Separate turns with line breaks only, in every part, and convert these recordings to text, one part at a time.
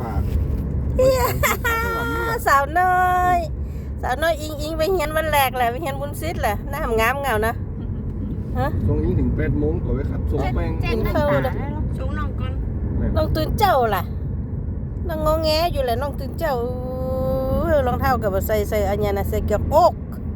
ฝาก
สาวน้อยอิงไปเฮียนวันแรกแหละไปเฮียนบุญซิดแหละหน้าทำงามเงานะฮะ
ส่งอิงถึง8 โมงตัวไว้ครับส่งแป้ง
กินข้าวเลย
ช่วงน้องก่อน
น้องตื่นเจ้าล่ะน้องงอแงอยู่แหละน้องตื่นเจ้ารองเท้ากับใส่อันนี้นะใส่เกี่ยวอก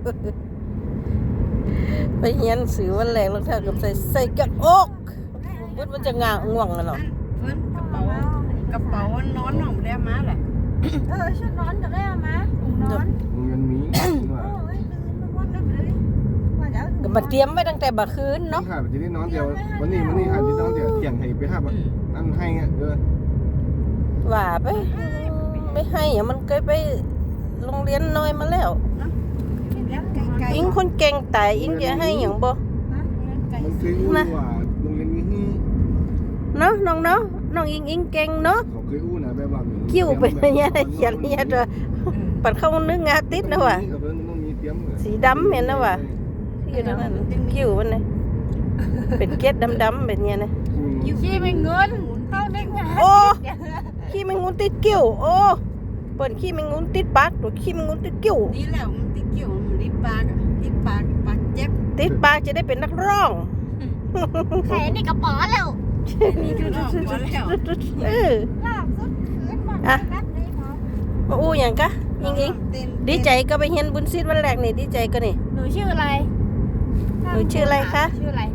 ไปเฮียนสื่อวันแรกรองเท้ากับใส่เกี่ยวอกบุดมันจะง่วงกันหรอ
เพื่อนกระเป๋านอนหน่อมได้มาแหละ
ชุดนอนจะได้ไหมถุงนอน
เงินมีว่า
โอ้ยลืมไม่ว่าได้เลยว่าจะ
ก็มาเตรียมไว้ตั้งแต่บ่คืน
เนาะ
เนาะ
ค่ะจะได้นอนเดียววันนี้ค่ะที่นอนเดียวเที่ยงให้ไปหาอันให้เด้อ
ว่าไปไม่ให้อะมันเคยไปโรงเรียนน้อยมาแล้ว
ไกล
อิงคนเก่งแต่อิงจะให้อย่างบ่
มันคืออู้ว่าโรงเรียนนี้
เนาะน้องอิงเก่งเนาะ
เขาเคยอู้นะแบบว่า
คิ้วเป็นอย่างเงี้ยเขียนเนี่ยตัวปัดเข้านึกงาติดนะว่ะ
ต้องมีเตรียม
สีดำเห็นนะว่ะคิ้วตรงนั้นคิ้วมันนี่เป็นเกล็ดดำๆแบบเนี้ยนะ
ขี้ไม่เงินเข้าได้ไง
โอ้ขี้แมงมุมติดกิ้วโอ้เปิดขี้แมงมุมติดปากตัวขี้แมงมุมติดกิ้ว
นี่แหละมันติดเกี่ยวมันติดปากเจ็บ
ติดปากจะได้เป็นนักร้อง
แขนนี่กระป๋อแล้ว
นี่คือน้องพอแล้ว
ลากสุดขืนมารับเลยหมอ
มาอู้อย่างกะอิงดีใจก็ไปเฮียนบุญซิดวันแรกนี่ดีใจก็นี่
หนูชื่ออะไร
หนูชื่ออะไรคะ
ชื่ออะไร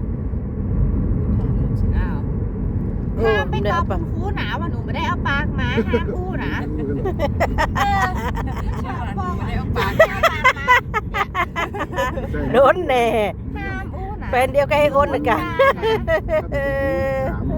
โอ้
ห้ามไม่
เดี๋
ต
ยว
อบ
เอาไป
คุณครูหนาว่าหนูไม่ได้เอาปากมาห้ามอู้นะเออ
ไม่ได้เอาปาก
ห้ามปากมา
โดนแน่
ห้ามอู้นะ
แฟนเดียวกับไอ้อ้นนะกะ
ถาม